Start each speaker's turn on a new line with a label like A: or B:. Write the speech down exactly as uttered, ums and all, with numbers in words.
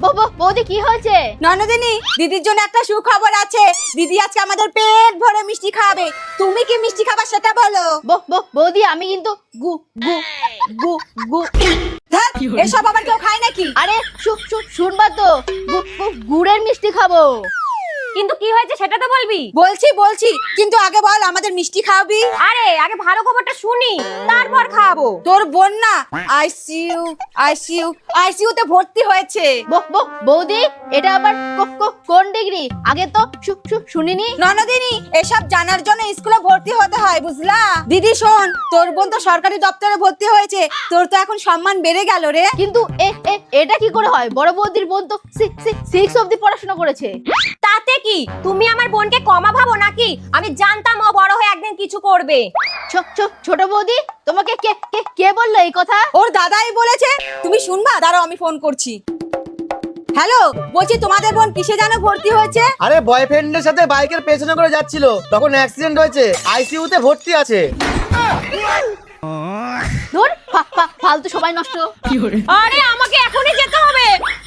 A: বৌদি কি হয়েছে?
B: ননদিনী, দিদির জন্য একটা সুখবর আছে। দিদি আজকে আমাদের পেট ভরে মিষ্টি খাবে। তুমি কি মিষ্টি খাবা সেটা বলো।
A: বৌদি আমি কিন্তু গু গু গু গু
B: ধ্যাৎ, এসব আবার কেউ খায় নাকি?
A: আরে শুনবা তো, গুড়ের মিষ্টি খাবো।
C: কিন্তু কি হয়েছে সেটা তো বলবি।
B: বলছি বলছি কিন্তু আগে বল আমাদের মিষ্টি খাওয়াবি।
C: আরে আগে ভালো খবরটা শুনি, তারপর খাওয়াবো।
B: তোর বোন না আইসিইউ আইসিইউ আইসিইউ তে ভর্তি হয়েছে।
A: বৌদি এটা আবার কোন ডিগ্রি? আগে তো শুনিনি।
B: ননদিনী, এসব জানার জন্য স্কুলে ভর্তি হতে হয়, বুঝলা? দিদি শোন, তোর বোন তো সরকারি দপ্তরে ভর্তি হয়েছে, তোর তো এখন সম্মান বেড়ে গেল রে।
A: কিন্তু এটা কি করে হয়? বড় বৌদির বোন তো সিক্স অবধি পড়াশোনা করেছে।
C: তাতে কি, তুমি আমার বোনকে কমা ভাবো নাকি? আমি জানতাম ও বড় হয়ে একদিন কিছু করবে।
A: ছোট বৌদি, তোমাকে কে কে কে বললো এই কথা?
B: ওর দাদাই বলেছে। তুমি শুনবা? দাঁড়াও আমি ফোন করছি। হ্যালো, বলছি তোমাদের বোন কিসে জানো ভর্তি হয়েছে?
D: আরে বয়ফ্রেন্ডের সাথে বাইকের পেছনে করে যাচ্ছিল, তখন অ্যাক্সিডেন্ট হয়েছে, আইসিইউ তে ভর্তি আছে।
A: ধুর, ফালতু সময় নষ্ট।
C: আরে আমাকে এখনই যেতে হবে।